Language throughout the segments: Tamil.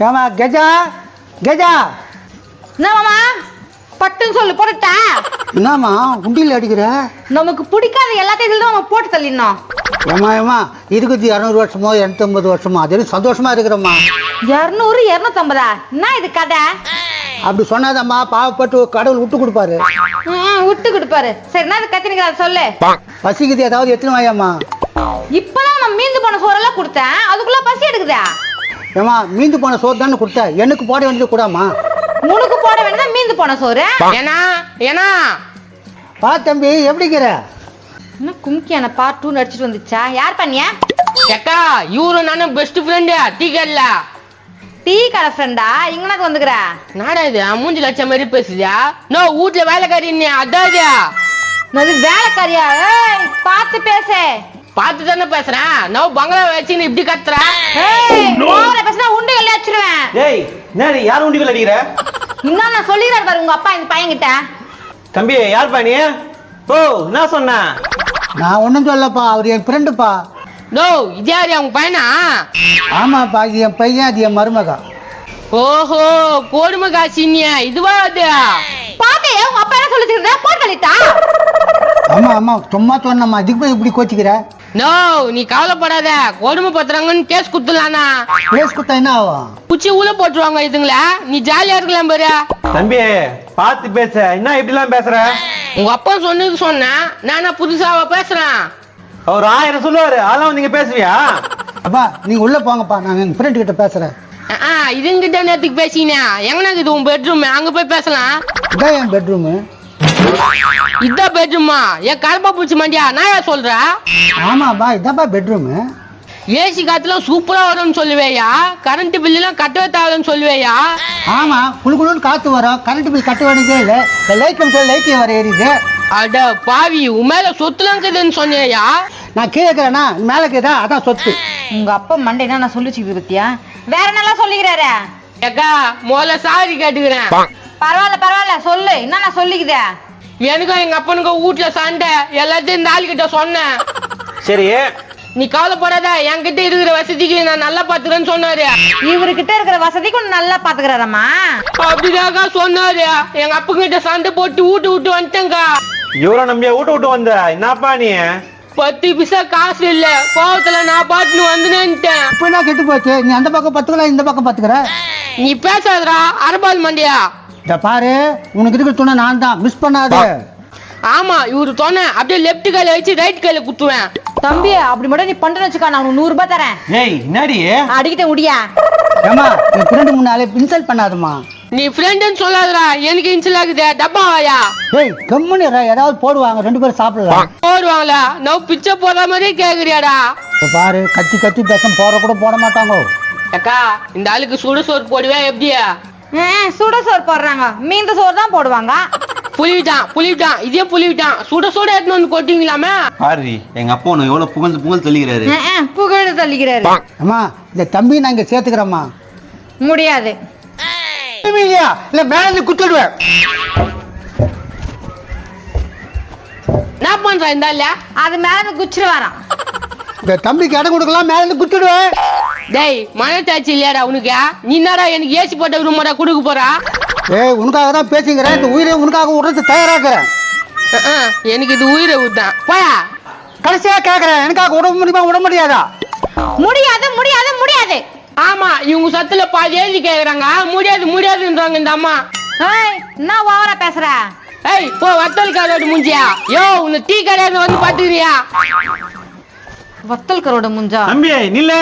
ஏமா கெஜா கெஜா என்ன மாமா பட்டுன்னு சொல்லு போட்டுட்டா என்னம்மா உண்டியில் அடிக்கிற? நமக்கு பிடிக்காத எல்லாத்தையும் இதுல நம்ம போட்டு தள்ளிடணும். ஏமா இருக்குது 200 வருஷமோ 250 வருஷமோ அது சந்தோஷமா இருக்கிறோம்மா. 200 250 என்ன இது கதை? அப்படி சொன்னாதம்மா பாவப்பட்டு கடவுள் விட்டு கொடுப்பாரு. விட்டு கொடுப்பாரு. சரி என்ன கத்தினிக்கிற சொல்லு. பசிக்குது ஏதாவது எத்தனை வாயம்மா? இப்பதான் நான் மீந்து போன சோறெல்லாம் கொடுத்தேன் அதுக்குள்ள பசி எடுக்குதா? ஏமா மீந்து போன சோறு தானே கொடுத்த, எனக்கு போட வேண்டியது கூடாமா? உனக்கு போட வேண்டியதா மீந்து போன சோறு. ஏனா ஏனா பா தம்பி எப்படிங்கிற? என்ன கும்கியான பார்ட் 2 நடிச்சிட்டு வந்துச்சா? யார் பண்ணியா? அக்கா இவரு நானும் பெஸ்ட் ஃப்ரெண்டு. டீ கடைல டீ கடை ஃப்ரெண்டா? இங்கனாக்கு வந்துக்கிற நாடா இது மூஞ்சி லட்சம் மாதிரி பேசுதியா? நோ வீட்டுல வேலைக்காரி அதாவது அது வேலைக்காரியா? ஏய் பார்த்து பேசு. பார்த்து தானே பேசுறேன். நோ பங்களா வச்சுன்னு இப்படி கத்துற. ஓவரா பேசினா உண்டு எல்லாம் வச்சிருவேன். ஏய் என்ன யார் உண்டிகள் அடிக்கிற? இன்னும் நான் சொல்லிடுறாரு பாரு உங்க அப்பா இந்த பையன்கிட்ட. தம்பி யார் பா நீ? ஓ என்ன சொன்ன? நான் ஒன்றும் சொல்லப்பா, அவர் என் ஃப்ரெண்டுப்பா. நோ இது யாரு அவங்க பையனா? ஆமாப்பா, இது என் பையன், அது என் மருமகா. ஓஹோ கோடுமை காசினியா இதுவா? அது பாத்தே உங்க அப்பா என்ன சொல்லிட்டு போட்டு தள்ளிட்டா? ஆமா ஆமா சும்மா சொன்னம்மா, இதுக்கு போய் இப்படி கோச்சிக்கிற? நோ நீ கவலைப்படாத, கொடுமை பத்துறாங்கன்னு கேஸ் குத்துலானா? கேஸ் குத்தா என்ன ஆகும்? குச்சி உள்ள போட்டுருவாங்க இதுங்கள. நீ ஜாலியா இருக்கலாம் பாரு. தம்பி பார்த்து பேச, என்ன இப்படி எல்லாம் பேசுற? உங்க அப்பா சொன்னது சொன்னேன், நானா புதுசாவா பேசுறேன்? அவர் 1000 சொல்லுவாரு, அதெல்லாம் நீங்க பேசுவியா? அப்பா நீங்க உள்ள போங்கப்பா, நான் என் ஃப்ரெண்டு கிட்ட பேசுறேன். இதுங்கிட்ட நேரத்துக்கு பேசினா எங்கனா இது உன் பெட்ரூம், அங்க போய் பேசலாம். இதான் என் பெட்ரூமு. இதான் பெட்ரூமா? என் கருப்பா பூச்சி மண்டியா நான் ஏன் சொல்ற? ஆமாப்பா இதான்ப்பா பெட்ரூமு. ஏசி காத்துல சூப்பரா வரும்னு சொல்லுவேயா? கரண்ட் பில் எல்லாம் கட்டவே தேவைன்னு சொல்லுவேயா? ஆமா குழுக்குழுன்னு காத்து வரும், கரண்ட் பில் கட்ட வேண்டியதே இல்லை. லைட் லைட் வர ஏறிது. அட பாவி, உன் மேல சொத்துலாம் இருக்குதுன்னு சொன்னியா? நான் கீழே இருக்கிறேன்னா மேலே இருக்குதா, அதான் சொத்து. உங்க அப்பா மண்டை என்ன நான் சொல்லிச்சுக்கிது பத்தியா? வேற நல்லா சொல்லிக்கிறாரு. ஏக்கா முதல்ல சாரி கேட்டுக்கிறேன். பரவாயில்ல பரவாயில்ல சொல்லு, என்ன நான் சொல்லிக்குதே. எனக்கும் எங்க அப்பனுக்கும் வீட்டுல சண்டை, எல்லாத்தையும் இந்த ஆள் கிட்ட சொன்னேன். சரி நீ கவலைப்படாத, என்கிட்ட இருக்கிற வசதிக்கு நான் நல்லா பாத்துக்கிறேன்னு சொன்னாரு. இவர்கிட்ட இருக்கிற வசதிக்கு ஒண்ணு நல்லா பாத்துக்கிறாரம்மா. அப்படிதாக்கா சொன்னாரு. எங்க அப்பா கிட்ட சண்டை போட்டு விட்டு வந்துட்டேங்கா. இவரை நம்பியா விட்டு வந்த? என்னப்பா நீ? 10 பைசா காசு இல்ல, கோவத்துல நான் பாட்டுன்னு வந்துட்டேன். இப்ப என்ன கெட்டு போச்சு? நீ அந்த பக்கம் பத்துக்கலாம், இந்த பக்கம் பத்துக்கிற. நீ பேசாதடா அரபால் மண்டியா. இத பாரு, உனக்கு இருக்கிற துணை நான் தான், மிஸ் பண்ணாத. ஆமா இவரு சொன்ன அப்படியே லெப்ட் கையில வச்சு ரைட் கையில குத்துவேன். தம்பி அப்படி மட்டும் நீ பண்றேன்னு வச்சுக்கா, நான் உனக்கு 100 ரூபாய் தரேன். ஏய் என்னடி? அடிக்கிட்ட முடியா? ஏமா என் ஃப்ரெண்டு முன்னாலே இன்சல்ட் பண்ணாதம்மா. நீ ஃப்ரெண்டுன்னு சொல்லாதடா, எனக்கு இன்சல் ஆகுது. டப்பாவாயா? ஏய் கம்முனு ஏதாவது போடுவாங்க, 2 பேரும் சாப்பிடலாம். போடுவாங்களா? நான் பிச்சை போடுற மாதிரியே கேக்குறியாடா? இத பாரு, கத்தி கத்தி பேசம் போற கூட போட மாட்டாங்க. அக்கா இந்த ஆளுக்கு சுடு சோறு போடுவேன் எப்படியா? சுட சோறு போடுறாங்க, மீந்த சோறு தான் போடுவாங்க. புளிவிட்டான் இதே புளிவிட்டான். சுட எடுத்துன்னு வந்து கொட்டிங்களாமே. பாரு எங்க அப்பா உனக்கு எவ்வளவு புகழ் தள்ளிக்கிறாரு. புகழ் தள்ளிக்கிறாரு. அம்மா இந்த தம்பி நான் இங்க சேர்த்துக்கிறேம்மா. முடியாது. இல்லையா இல்ல மேல இருந்து குத்திடுவேன். என்ன பண்ற இந்த ஆளு? அது மேல குச்சிரு வரான். இந்த தம்பிக்கு இடம் கொடுக்கலாம், மேல இருந்து குத்திடுவேன். டேய் மனத்தாச்சு இல்லையாடா உனக்கு? நீ என்னடா எனக்கு ஏசி போட்ட ரூமாடா கொடுக்க போறா? ஏய் உனக்காக தான் பேசிக்கிறேன், இந்த உயிரை உனக்காக விடுறது தயாராக்குறேன். எனக்கு இது உயிரை ஊத்தான் போயா. கடைசியா கேக்குறேன், எனக்காக விட முடியுமா விட முடியாதா? முடியாது முடியாது முடியாது. ஆமா இவங்க சத்துல பாதி எழுதி கேக்குறாங்க, முடியாதுன்றாங்க இந்த அம்மா. என்ன ஓவரா பேசுற? ஏய் போ வத்தல் கரோடு முஞ்சியா. யோ உன்னை டீ கடையில வந்து பாத்துக்கிறியா? வத்தல் கரோட முஞ்சா? தம்பி நில்ல.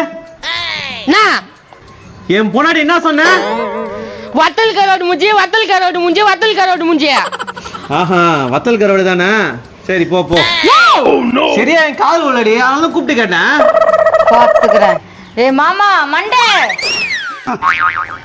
என் பொன்னாடி என்ன சொன்ன? வத்தல் கரோடு முஞ்சி. ஆஹா வத்தல் கரோடு தானே. சரி போ போ. சரியா என் கால் உள்ளடி, அதனால கூப்பிட்டு கேட்டேன். பாத்துக்கிறேன். ஏ மாமா மண்டே